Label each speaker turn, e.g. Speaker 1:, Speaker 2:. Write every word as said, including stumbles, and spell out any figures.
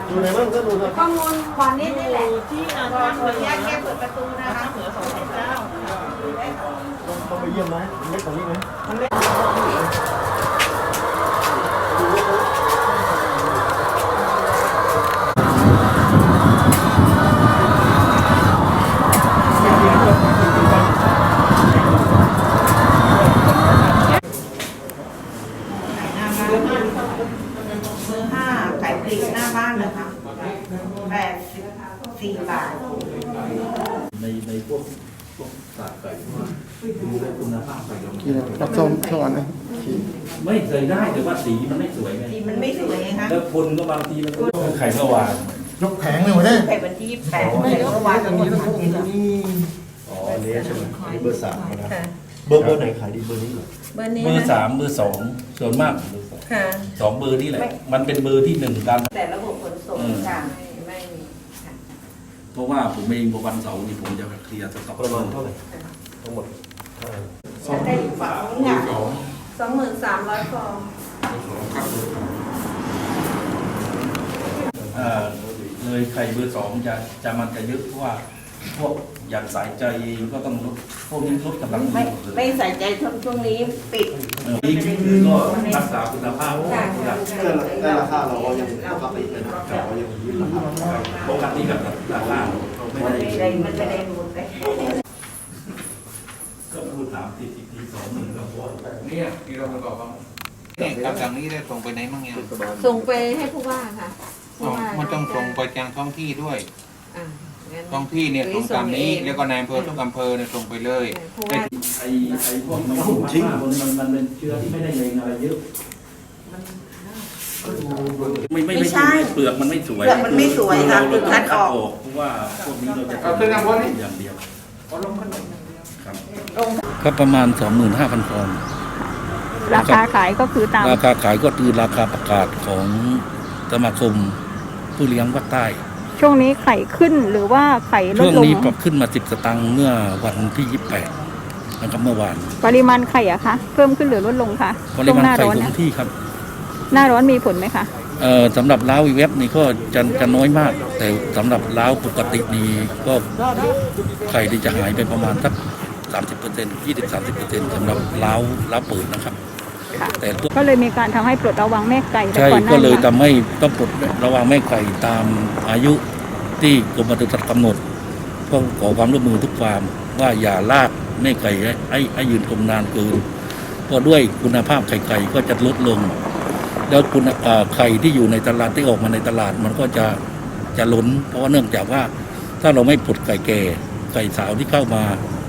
Speaker 1: ดูไหนบ้างก็ดูนะ
Speaker 2: ข้อมูลวันนี้นี่แหละ
Speaker 3: ที่อาจารย์เหนือแค่เปิดประตูนะคะเหนือสองสิบเก้า
Speaker 1: ต้องไปเยี่ยมไหมเล็กกว่านี้ไหม
Speaker 3: เบอร์ห้าไก่ปลีกหน้าบ้านนะคะแปดสิบสี่บาท
Speaker 4: ในในพวกพวกสาไก่ว่าดูแลคุณภาพไก่เรา
Speaker 1: ผสมสอนนะ
Speaker 4: ไม่เคยได้แต่ว่าสีมันไม่สวยไง
Speaker 3: สีมันไม่สวยไงคะ
Speaker 4: แล้วคนก็บางทีมันก็ไข่เมื่อวาน
Speaker 1: ยกแผงเลยหมดเลย
Speaker 3: ไข่วันที่ยี่สิบแปดเมื่อวานทั้งหมดทั้งนี้
Speaker 1: อ๋อเนี้ยใช่ไหมนี่เบอร์สามนะเบอร์เบอร์ไหนขายดีเบอร์นี้เหรอ
Speaker 2: เบอร์นี้
Speaker 4: เบอร์สามเบอร์สองส่วนมาก
Speaker 2: ค่ะ
Speaker 4: สองเบอร์นี่แหละมันเป็นเบอร์ที่หนึ่งกัน
Speaker 3: แต่ระบบขนส่งต่างไม่มี
Speaker 4: เพราะว่าผมเองพอวันเสาร์นี่ผมจะเคลียร์สต็อก
Speaker 1: ประมาณเท่าไหร่ทั้งหมด
Speaker 3: สองได้ฝาเนี่ย
Speaker 2: สองหมื่นสามร้อยฟอง
Speaker 4: เลยไข่เบอร์สองจะจะมันจะเยอะเพราะว่าพวกอย่างสายใจก็ต้องลดพวกนี้ลดกำลัง
Speaker 3: ไม่ไม่ใส่ใจช่วงนี้ปิด
Speaker 4: นี่คือก็รักษาคุณภาพ
Speaker 1: ได้ราคาเราก็ยังปกตินะแต่เรายังยืนราคา
Speaker 4: ปกติกับราคา
Speaker 3: ไม่ได้มันไม่ได้หมดเลย
Speaker 4: ก็พูดถามติดอีกทีสองหมื่นกว่า
Speaker 5: เนี่ยที่เราประกอบกันเนี่ยคำสั่งนี้ได้ส่งไปไหนบ้างยัง
Speaker 2: ส่งไปให้ผู้ว่าค่ะ
Speaker 5: มันต้องส่งไปยังท้องที่ด้วยท้องที่เนี่ยส่งตามนี้แล้วก็นายอำเภอทุกอำเภอเนี่ยส่งไปเลย
Speaker 4: ไอ้ไอ้พวกมันทิ้งมันมันเป็นเชื้อที่ไม่ได้เลงอะไรเยอะไม่ไม่ไม่ใช่เปลือกมันไม่สวย
Speaker 3: เปลือกมันไม่สวยค่ะคือคัดออก
Speaker 4: เพราะว่าพวกนี้เราจะเอาขึ้นอย่างอย่างเดียวครับก็ประมาณสองหมื่นห้าพันฟอง
Speaker 2: ราคาขายก็คือตาม
Speaker 4: ราคาขายก็คือราคาประกาศของสมาคมผู้เลี้ยงภาคใต้
Speaker 2: ช่วงนี้ไข่ขึ้นหรือว่าไข่ลดลง
Speaker 4: ช่วงนี้ปรับขึ้นมาสิบสตางค์เมื่อวันที่ยี่สิบแปดนะครับเมื่อวาน
Speaker 2: ปริมาณไข่อะคะเพิ่มขึ้นหรือลดลงคะ
Speaker 4: ปริมาณไข่คงที่ครับ
Speaker 2: หน้าร้อนมีผลไหมคะ
Speaker 4: เอ่อสำหรับล้าวอีเว็บนี่ก็จะจะน้อยมากแต่สำหรับล้าวปกตินี่ก็ไข่ที่จะหายไปประมาณสักสามสิบเปอร์เซ็นต์ยี่สิบสามสิบเปอร์เซ็นต์สำหรับล้าวล้าวเปิดนะครับ
Speaker 2: แต่ก็เลยมีการทำให้ปลดระวางแม่ไก่
Speaker 4: ใช่ก็เลยทำให้ต้องปลดระวางแม่ไก่ตามอายุที่กรมปศุสัตว์กำหนดเพื่อขอความร่วมมือทุกฟาร์มว่าอย่าลากแม่ไก่ให้ให้ยืนคงนานเกินเพราะด้วยคุณภาพไข่ไก่ก็จะลดลงแล้วคุณไข่ที่อยู่ในตลาดที่ออกมาในตลาดมันก็จะจะล้นเพราะว่าเนื่องจากว่าถ้าเราไม่ปลดไก่แก่ไก่สาวที่เข้ามา